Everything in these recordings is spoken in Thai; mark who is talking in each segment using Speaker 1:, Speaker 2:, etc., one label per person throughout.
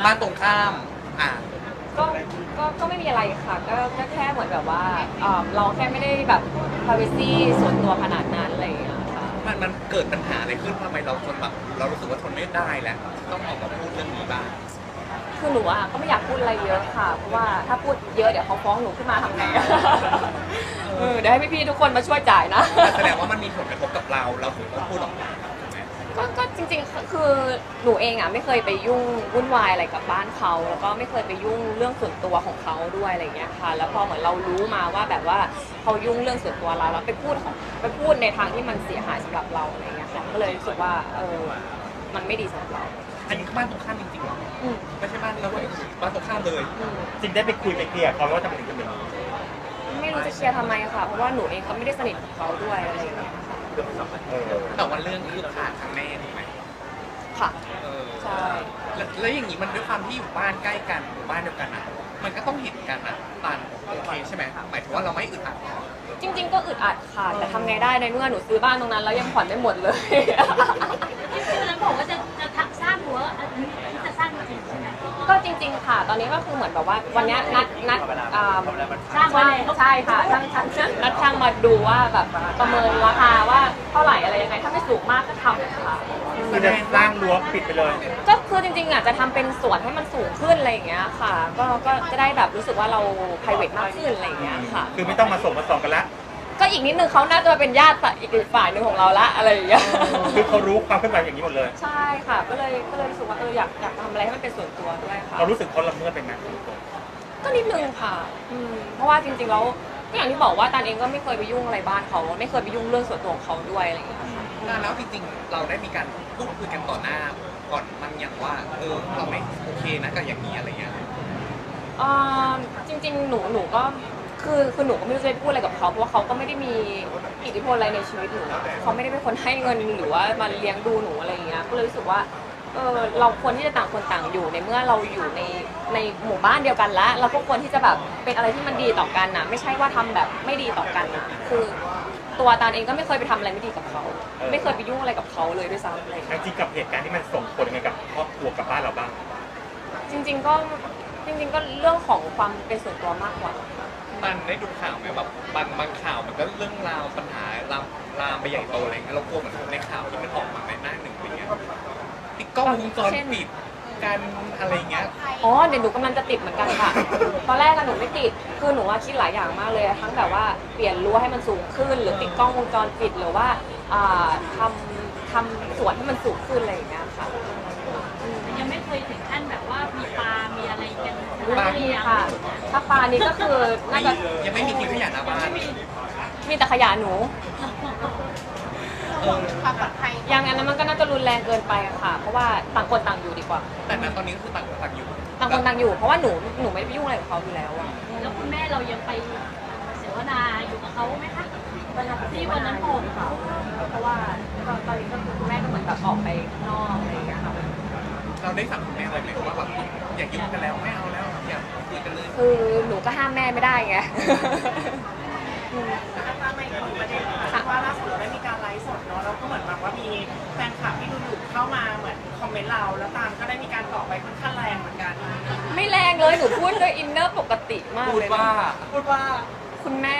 Speaker 1: บ้านตรงข้ามอ่ะ
Speaker 2: ก็ก็ไม่มีอะไรค่ะก็แค่เหมือนแบบว่าเราแค่ไม่ได้แบบ privacy ส่วนตัวขนาดนั้นอะไรอย่างเงี้ยค่ะ
Speaker 1: มันเกิดปัญหาอะไรขึ้นทำไมเราทนแบบเรารู้สึกว่าทนไม่ได้แล้วต้องออกมาพูดเรื่องนี้บ้าง
Speaker 2: คือหนูอ่ะก็ไม่อยากพูดอะไรเยอะค่ะเพราะว่าถ้าพูดเยอะเดี๋ยวเขาฟ้องหนูขึ้นมาทำไงเดี๋ยวให้พี่ๆทุกคนมาช่วยจ่ายนะ
Speaker 1: แสดงว่ามันมีผลกระทบกับเราถึงต้องพูดออกมาถูกไหม
Speaker 2: ก็จริงๆคือหนูเองอ่ะไม่เคยไปยุ่งวุ่นวายอะไรกับบ้านเขาแล้วก็ไม่เคยไปยุ่งเรื่องส่วนตัวของเขาด้วยอะไรเงี้ยค่ะแล้วพอเหมือนเรารู้มาว่าแบบว่าเขายุ่งเรื่องส่วนตัวเราแล้วไปพูดในทางที่มันเสียหายสำหรับเราอะไรเงี้ยค่ะก็เลยรู้สึกว่ามันไม่ดีสำหรับเรา
Speaker 1: อันนี้บ้านตรงข้ามจริงๆหรอไม่ใช่บ้านเราเลยบ้านตรงข้ามเลย
Speaker 3: จริงได้ไปคุยไปเคลียร์เขาว่าทำไมถึงเป็นอย่างนี้
Speaker 2: ไม่รู้จะเคลียร์ทำไมค่ะเพราะว่าหนูเองก็ไม่ได้สนิทกับเขาด้วยอะไรอย่างเงี้ยค่ะ
Speaker 1: แต่วันเรื่องคือขาดทางแม่ถูกไหม
Speaker 2: ค่ะใช่
Speaker 1: แล้วอย่างนี้มันด้วยความที่อยู่บ้านใกล้กันอยู่บ้านเดียวกันอ่ะมันก็ต้องเห็นกันอ่ะตานโอเคใช่ไหมหมายถึงว่าเราไม่อึดอัด
Speaker 2: จริงๆก็อึดอัดค่ะแต่ทำไงได้ในเมื่อหนูซื้อบ้านตรงนั้นแล้วยังผ่อนไม่หมดเลย
Speaker 4: ที่วันนั้นบอกว่าจะสร้างรั้วอันนี้จะสร้างจริงใช่ไหม
Speaker 2: ก็จริงๆค่ะตอนนี้ก็คือเหมือนแบบว่าวันนี้นัด
Speaker 4: สร้างไว้แล้ว
Speaker 2: ใช่ค่ะนัดช่างมาดูว่าแบบประเมินราคาว่าเท่าไหร่อะไรยังไงถ้าไม่สูงมากก็ทำค่ะ
Speaker 3: คือจะสร้างรั้วปิดไปเลย
Speaker 2: ก็คือจริงๆอ่ะจะทำเป็นสวนให้มันสูงขึ้นอะไรอย่างเงี้ยค่ะก็จะได้แบบรู้สึกว่าเรา private มากขึ้นอะไรอย่างเงี้ยค่ะ
Speaker 3: คือไม่ต้องมาส่งมาส่องกันละ
Speaker 2: ก็อีกนิดนึงเขาน่าจะเป็นญาติอีกฝ่ายหนึ่งของเราละอะไรอย่างเงี้ย
Speaker 3: คือเขารู้ความเคลื่อนไหวอย่างนี้หมดเลย
Speaker 2: ใช่ค่ะก็เลยรู้สึกว่าอยากทำอะไรให้มันเป็นส่วนตัวด้วยค่ะ
Speaker 3: เรารู้สึกเขาละเมิดไปไหม
Speaker 2: ก็นิดนึงค่ะเพราะว่าจริงๆแล้วก็อย่างที่บอกว่าตานเองก็ไม่เคยไปยุ่งอะไรบ้านเขาไม่เคยไปยุ่งเรื่องส่วนตัวของเขาด้วยอะไรอย่างเงี้ยค่ะ
Speaker 1: แล้วจริงๆเราได้มีการพูดคุยกันต่อหน้าก่อนมันอย่างว่าเราไม่โอเคนะกับอย่างนี้อะไรเงี้ย
Speaker 2: จริงๆหนูก็คือหนูก็ไม่รู้จะพูดอะไรกับเขาเพราะว่าเขาก็ไม่ได้มีอิทธิพลอะไรในชีวิตหนูเขาไม่ได้เป็นคนให้เงินหรือว่ามาเลี้ยงดูหนูอะไรอย่างเงี้ยก็เลยรู้สึกว่าเราควรที่จะต่างคนต่างอยู่ในเมื่อเราอยู่ในหมู่บ้านเดียวกันแล้วเราก็ควรที่จะแบบเป็นอะไรที่มันดีต่อกันนะไม่ใช่ว่าทำแบบไม่ดีต่อกันนะคือตัวตาลเองก็ไม่เคยไปทำอะไรไม่ดีกับเขาไม่เคยไปยุ่งอะไรกับเขาเลยด้วยซ้ำอะไร
Speaker 3: จริงกับเหตุการณ์ที่มันส่งผลยังไงกับครอบครัวกับบ้านเราบ้าง
Speaker 2: จริงๆก็เรื่องของความเป็นส่วนตัวมากกว่า
Speaker 1: มันได้ดูข่าวไหมแบบบางข่าวมันก็เรื่องราวปัญหาลามไปใหญ่โตอะไรเงี้ยเรากลัวเหมือนในข่าวที่มันออกมาในหน้าหนึ่งอะไรเงี้ยติดกล้องวงจรปิดกันอะไรเงี้ย
Speaker 2: เดี๋ยวหนูกำลังจะติดเหมือนกันค่ะตอนแรกหนูไม่ติดคือหนูว่าคิดหลายอย่างมากเลยทั้งแบบว่าเปลี่ยนรั้วให้มันสูงขึ้นหรือติดกล้องวงจรปิดหรือว่าทำสวนให้มันสูงขึ้นอะไรอย่างเงี้ยค่ะ
Speaker 4: ยังไม่เคยถึงขั้นแบบว่ามีปลา มีอะไรกัน
Speaker 2: ไม่มีค่ะถ้าปลานี้ก็คือน่าจะ
Speaker 1: ยังไม่มีทิ้งขยะหน้าบ้าน
Speaker 2: มีแต่ขยะหนูอย่างนั้นมันก็น่าจะรุนแรงเกินไปอะค่ะเพราะว่าต่างคนต่างอยู่ดีกว่า
Speaker 1: แต่ณตอนนี้ก็คือต่างคนต่างอยู่
Speaker 2: เพราะว่าหนูไม่ไปยุ่งอะไรกับเขาอยู่แล้วอะ
Speaker 4: แล้วคุณแม่เรายังไปเสวนาอยู่กับเขาไหมคะที่วันนั้นบอกเขา
Speaker 2: เพราะว่าตอนนี้ก็คือคุณแม่ก็เหมือนแบบออกไปนอกอะไรอย่างเงี้ยค่ะ
Speaker 1: เราได้สั่งคุณแม่อะไรไหมว่าแบบอย่ายุ่งกันแล้วไม่เอาแล้วอย่าคุยกันเลย
Speaker 2: คือหนูก็ห้ามแม่ไม่ได้ไง
Speaker 5: มาอีกหนึ่งประเด็นค่ะว่าล่าสุดเราได้มีการไลฟ์สดเนาะแล้วก็เหมือนแบบว่ามีแฟนคลับที่ดูอยู่เข้ามาเหมือนคอมเมนต์เราแล้วตามก็ได้มีการตอบไปค่อนข้างแรงเหมือนกัน
Speaker 2: ไม่แรงเลยหนูพูดด้วยอินเนอร์ปกติมากเลย
Speaker 1: พูดว่า
Speaker 2: คุณแม่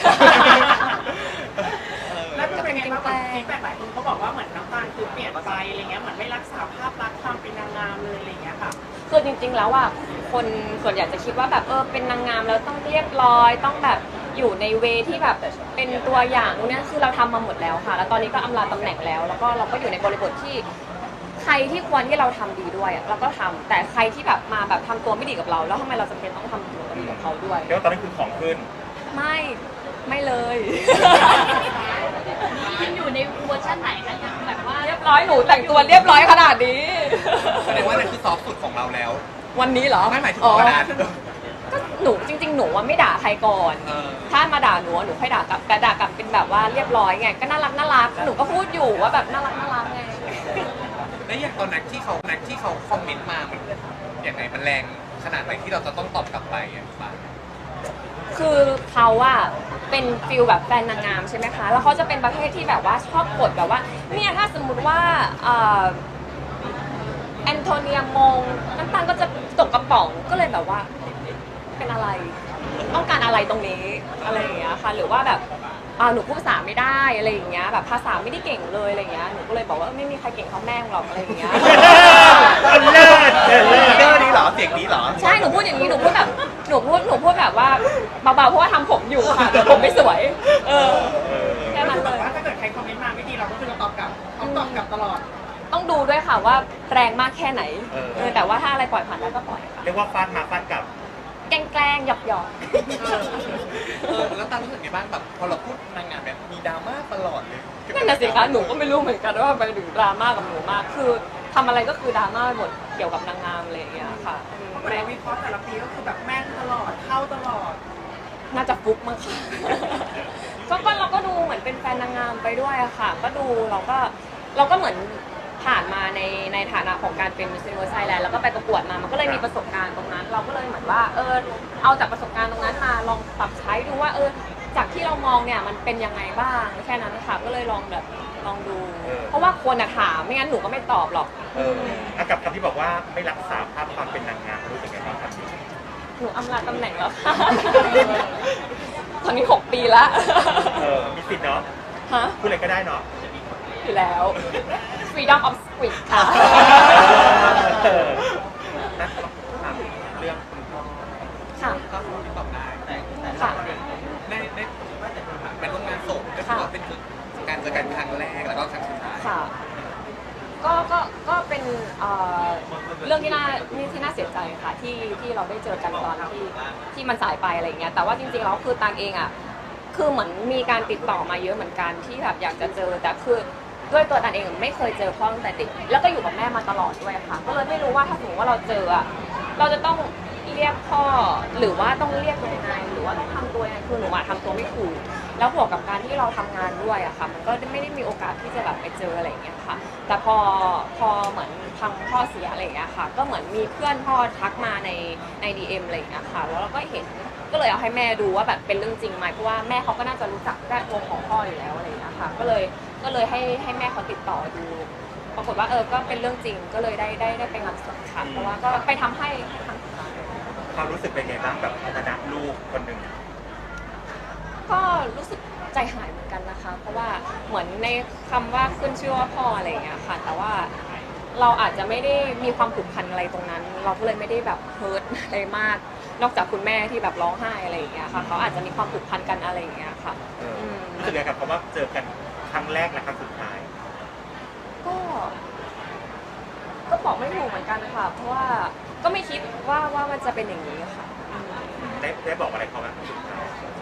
Speaker 5: แล้วก็เป็นไงบ้างฟีดแบ็กหลายคนเขาบอกว่าเหมือนน้ำตาลคือเปลี่ยนไปอะไรเงี้ยเหมือนไม่รักษาภาพลักษณ์ความเป็นนางงามเลยอะไรเงี้ยค่ะ
Speaker 2: คือจริงๆแล้วอ่ะคนส่วนใหญ่จะคิดว่าแบบเป็นนางงามแล้วต้องเรียบร้อยต้องแบบอยู่ในเวที่แบบเป็นตัวอย่างเนี่ยคือเราทำมาหมดแล้วค่ะแล้วตอนนี้ก็อำลาตำแหน่งแล้วแล้วก็เราก็อยู่ในบริบทที่ใครที่ควรที่เราทำดีด้วยเราก็ทำแต่ใครที่แบบมาแบบทำตัวไม่ดีกับเราแล้วทำไมเราจำเป็นต้องทำตัวดีกับเขาด้วย
Speaker 3: แล้วตอนนี้คือของขึ้น
Speaker 2: ไม่เลย
Speaker 4: ยังอยู่ในเวอร์ชันไหนคะยังแบบว่า
Speaker 2: เรียบร้อยหนูแต่งตัวเรียบร้อยขนาดนี้
Speaker 1: แสดงว่านั่นคือซอฟต์สุดของเราแล้ว
Speaker 2: วันนี้เหรอ
Speaker 1: ไม่หมายถึงวันนั้น
Speaker 2: ก็หนูจริงๆหนูว่าไม่ด่าใครก่อนถ้ามาด่าหนูค่อยด่ากลับแต่ด่ากลับเป็นแบบว่าเรียบร้อยไงก็น่ารักหนูก็พูดอยู่ว่าแบบน่ารักไง
Speaker 1: แล้วอย่างตอนนั้นที่เขาคอมเมนต์มามันยังไงมันแรงขนาดไหนที่เราจะต้องตอบกลับไปอ่ะ
Speaker 2: คือเขาอะเป็นฟิลแบบแฟนนางงามใช่ไหมคะแล้วเขาจะเป็นประเภทที่แบบว่าชอบกดแบบว่าเนี่ยถ้าสมมุติว่าแอนโทเนียมงน้ำตาลก็จะป๋องก็เลยแบบว่าเป็นอะไรต้องการอะไรตรงนี้อะไรอย่างเงี้ยค่ะหรือว่าแบบหนูพูดภาษาไม่ได้อะไรอย่างเงี้ยแบบภาษาไม่ได้เก่งเลยอะไรอย่างเงี้ยหนูก็เลยบอกว่าไม่มีใครเก่งเท่าแม่หรอกอะไรอย่างเงี้ย
Speaker 3: เลิศ
Speaker 1: เออนี้เหรอเสียงนี้เหรอ
Speaker 2: ใช่หนูพูดอย่างนี้หนูพูดแบบหนูพูดแบบว่าเบาๆเพราะว่าทำผมอยู่ค่ะแต่ผมไม่สวยแค่นั้น
Speaker 5: แบ
Speaker 2: เล
Speaker 5: บ
Speaker 2: ย
Speaker 5: ว่าถ้าเกิดใครคอมเมนต์มาไม่ดีเราก็คือเราตอบกลับต้องตอบกลับตลอด
Speaker 2: ต้องดูด้วยค่ะว่าแรงมากแค่ไหนแต่ว่าถ้าอะไรปล่อยผ่านได้ก็ปล่อยค่ะ
Speaker 3: เรียกว่าฟาดมาฟาดกลับ
Speaker 2: แกล้งหยอก
Speaker 1: แล้วตารู้สึกไงบ้างแบบพอเราพูดนางงามแบบมีดราม่าตลอดเลย
Speaker 2: ๆนั่นน่ะสิคะหนูก็ไม่รู้เหมือนกันว่าไปถึงดราม่ากับหนูมากคือทำอะไรก็คือดราม่าหมดเกี่ยวกับนางงามอะไรอย่างเงี้ยค่ะ
Speaker 5: เหมือนเราวิเคราะห์แต่ละปีก็คือแบบแม่นตลอดเข้าตลอด
Speaker 2: น่าจะฟุกมั้งค่ะ ก็เราก็ดูเหมือนเป็นแฟนนางงามไปด้วยอะค่ะ ก็ดูเราก็เหมือนผ่านมาในฐานะของการเป็น Miss Universe Thailand แล้วก็ไปประกวดมา มันก็เลยมีประสบการณ์ตรงนั้น เราก็เลยเหมือนว่าเอาจากประสบการณ์ตรงนั้นมาลองปรับใช้ดูว่าจากที่เรามองเนี่ยมันเป็นยังไงบ้างแค่นั้นค่ะก็เลยลองดู เพราะว่าคนอะถามไม่งั้นหนูก็ไม่ตอบหรอก
Speaker 3: กับคำที่บอกว่าไม่รักษาภาพความเป็นนางงามรู้สึกไงบ้างครับ
Speaker 2: หนูอำลาตำแหน่งแล้วค่ะ ตอนนี้6 ปีละ
Speaker 3: มีสิทธิ์เนาะ
Speaker 2: ฮะ
Speaker 3: พูดอะไรก็ได้เนาะ
Speaker 2: อยู่แล้ว freedom of speech ค่ะ
Speaker 3: นักถามเรื่องคุณพ่อ
Speaker 2: ค่ะ
Speaker 1: ก็คงตอบได้แต่
Speaker 2: ค่ะ
Speaker 1: ในเป็นร่วมงานศพก็ถือว่าเป็นการเจอกันครั้งแรกแล้วก็ครั้งสุดท้าย
Speaker 2: ค่ะ ก็เป็นเรื่องที่น่าเสียใจค่ะที่เราได้เจอกันตอนที่มันสายไปอะไรอย่างเงี้ยแต่ว่าจริงๆแล้วคือตางเองอ่ะคือเหมือนมีการติดต่อมาเยอะเหมือนกันที่แบบอยากจะเจอแต่คือด้วยตัวตางเองไม่เคยเจอพ่อตั้งแต่เด็กแล้วก็อยู่กับแม่มาตลอดด้วยค่ะ ก็เลยไม่รู้ว่าถ้าสมมติว่าเราเจออ่ะเราจะต้องเรียกพ่อหรือว่าต้องเรียกยังไงหรือว่าต้องทำตัวยังไงคือหนูทำตัวไม่ถูกแล้วบวกกับการที่เราทำงานด้วยอะค่ะมันก็ไม่ได้มีโอกาสที่จะแบบไปเจออะไรอย่างเงี้ยค่ะแต่พอเหมือนทางพ่อเสียอะไรอย่างเงี้ยค่ะก็เหมือนมีเพื่อนพ่อทักมาใน DM อะไรอย่างเงี้ยค่ะแล้วเราก็เห็นก็เลยเอาให้แม่ดูว่าแบบเป็นเรื่องจริงไหมเพราะว่าแม่เขาก็น่าจะรู้จักแวดวงของพ่ออยู่แล้วอะไรอย่างเงี้ยค่ะก็เลยให้แม่เขาติดต่อดูปรากฏว่าก็เป็นเรื่องจริงก็เลยได้ไปงานศพค่ะเพราะว่าก็ไปทำให้ทางสุดท้าย
Speaker 3: ความรู้สึกเป็นไงบ้างแบบฐานะลูกคนหนึ่ง
Speaker 2: ก็รู้สึกใจหายเหมือนกันนะคะ เพราะว่าเหมือนในคำว่าขึ้นชื่อว่าพ่ออะไรอย่างเงี้ยค่ะ แต่ว่าเราอาจจะไม่ได้มีความผูกพันอะไรตรงนั้น เราก็เลยไม่ได้แบบเฮิร์ตอะไรมาก นอกจากคุณแม่ที่แบบร้องไห้อะไรอย่างเงี้ยค่ะ เขาอาจจะมีความผูกพันกันอะไรอย่างเงี้ยค่ะม
Speaker 3: รู้สึกไงกับคำว่าเจอกันครั้งแรกและครั้งสุดท้าย
Speaker 2: ก็บอกไม่ถูกเหมือนกันค่ะ เพราะว่าก็ไม่คิดว่ามันจะเป็นอย่างนี้ค่ะ
Speaker 3: ได้บอกอะไรเขาไหมครั้งสุดท้าย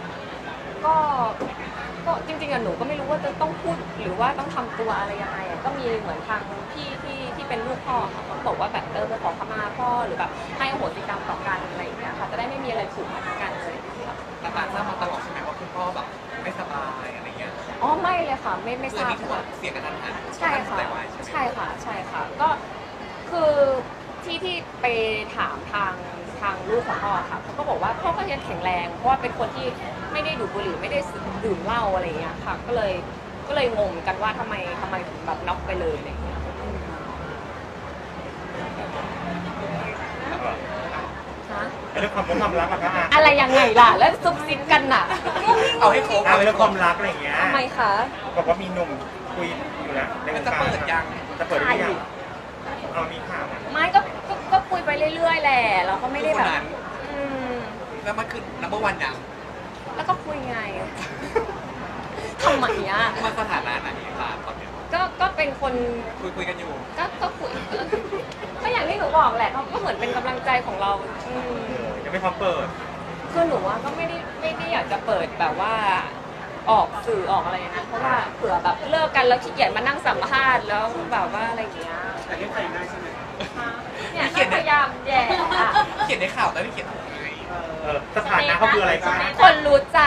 Speaker 2: ก็จริงๆอะหนูก็ไม่รู้ว่าจะต้องพูดหรือว่าต้องทำตัวอะไรยังไงอะก็มีเหมือนทางพี่ที่เป็นลูกพ่อค่ะเขาบอกว่าแบบไปขอขมาพ่อหรือแบบให้อโหสิกรรมต่อกันอะไรอย่างเงี้ยค่ะจะได้ไม่มีอะไรผูกพันกันเลยค่ะ
Speaker 1: แต่ตาทราบมาตลอดใช่ไหมว่าคุณพ่อแบบไม่สบายอะไรเงี้ย
Speaker 2: อ๋อไม่เลยค่ะไม่ทราบ
Speaker 1: นี่คือ
Speaker 2: ค่ะ
Speaker 1: เสียกันทันหัน
Speaker 2: ใช่ค่ะ
Speaker 1: แต่ว่าใช่ไหม
Speaker 2: ใช่ค่ะก็คือที่ไปถามทางลูกของพ่อค่ะเขาก็บอกว่าพ่อก็ยังแข็งแรงเพราะว่าเป็นคนที่ไม่ได้ดูดบุหรี่ไม่ได้ดื่มเหล้าอะไรอย่างเงี้ยค่ะก็เลยงงกันว่าทำไมถึงแบบน็อกไปเลยอะไรอย่างเงี้ยฮะ
Speaker 3: เรื่องความรักอะคะ
Speaker 2: อะไรยังไงล่ะแล้วซุบซิบกันน่ะ
Speaker 1: เอาให้ครบ
Speaker 3: เรื่องความรักอะไรอย่างเงี้ย
Speaker 2: ทำไมคะ
Speaker 3: บอกว่ามีหนุ่มคุยอยู่นะในวง
Speaker 1: จะ
Speaker 3: การ
Speaker 1: เปิดยัง
Speaker 3: จะเปิดหรือยังเอามีข่าวอะ
Speaker 2: ไม่ก็คุยไปเรื่อยๆแหละเราก็ไม่ได้แบบอืม
Speaker 1: แล้วมันคือนัมเบอร์วันยัง
Speaker 2: แล้วก็คุยไงทำไมอ่ะ
Speaker 1: มันสถานะไหนตาตอนเนี้ย
Speaker 2: ก็เป็นคน
Speaker 1: คุยกันอยู่
Speaker 2: ก็คุยก็อย่างที่หนูบอกแหละเขาก็เหมือนเป็นกำลังใจของเรา
Speaker 3: ยังไม่พร้อมเปิด
Speaker 2: คือหนูว่าก็ไม่ได้อยากจะเปิดแบบว่าออกสื่อออกอะไรนะเพราะว่าเผื่อแบบเลิกกันแล้วขี้เกียจมานั่งสัมภาษณ์แล้วแบบว่าอะไรอย่างเงี้ย
Speaker 5: แต่เรียกใส่ได้ใช่ไหม
Speaker 2: เนี่ยก็พยายามแย่อะ
Speaker 1: เขียนในข่าวแต่ไม่เขียนอะไร
Speaker 3: สถานะเขาคืออะไรคะ
Speaker 2: คนรู้ใจ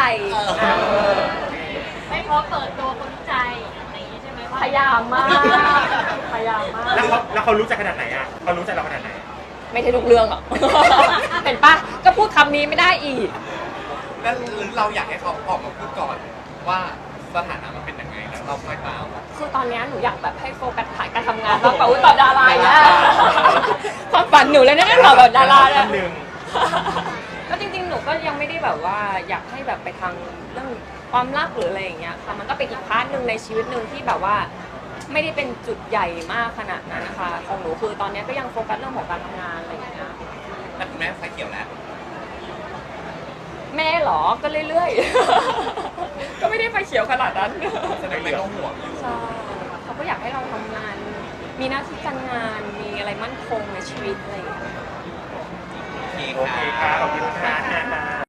Speaker 4: ไม่พอเปิดตัวคนรู้ใจอะไรอย่างนี้ใช่ไหมว่า
Speaker 2: พยายามมากพยายามมาก
Speaker 3: แล้วเขารู้ใจขนาดไหนอ่ะเขารู้ใจเราขนาดไหน
Speaker 2: ไม่ใช่ทุกเรื่องหรอก เห็นปะก็พูดคำนี้ไม่ได้อีก
Speaker 1: แล้วหรือเราอยากให้เขาออกมาพูดก่อนว่าสถานะมันเป็นยังไงแล้วเราคอยตาม
Speaker 2: คือตอนเนี้ยหนูอยากแบบให้โฟกัสถ่ายการทำงานมากกว่าอุ๊ยตอบดาราเนี่ยความฝันหนูเลยนะเนี่ยตอบแบบดาราเนี่ย
Speaker 3: หนึ่ง
Speaker 2: ก็จริงๆ หนูก็ยังไม่ได้แบบว่าอยากให้แบบไปทางเรื่องความรักหรืออะไรอย่างเงี้ยค่ะมันก็เป็นอีกพาร์ทหนึ่งในชีวิตหนึ่งที่แบบว่าไม่ได้เป็นจุดใหญ่มากขนาดนั้นนะคะของหนูคือตอนเนี้ยก็ยังโฟกัสเรื่องของการทำงานอะไรอย่างเงี้ย
Speaker 1: แต่คุณแม่ไฟเขียวแล้ว
Speaker 2: แม่เหรอก็เรื่อยๆ ก็ไม่ได้ไฟเขียวขนาดนั้น
Speaker 1: แสดงแม่ก็ห่วงอยู่
Speaker 2: ใช่เขาก็อยากให้เราทำงาน มีหน้าที่การงานมีอะไรมั่นคงในชีวิตอะไรอย่างเงี้ย
Speaker 1: โอเค
Speaker 3: โอเค
Speaker 1: ค่ะ
Speaker 3: ค่ะขอบคุณค่ะ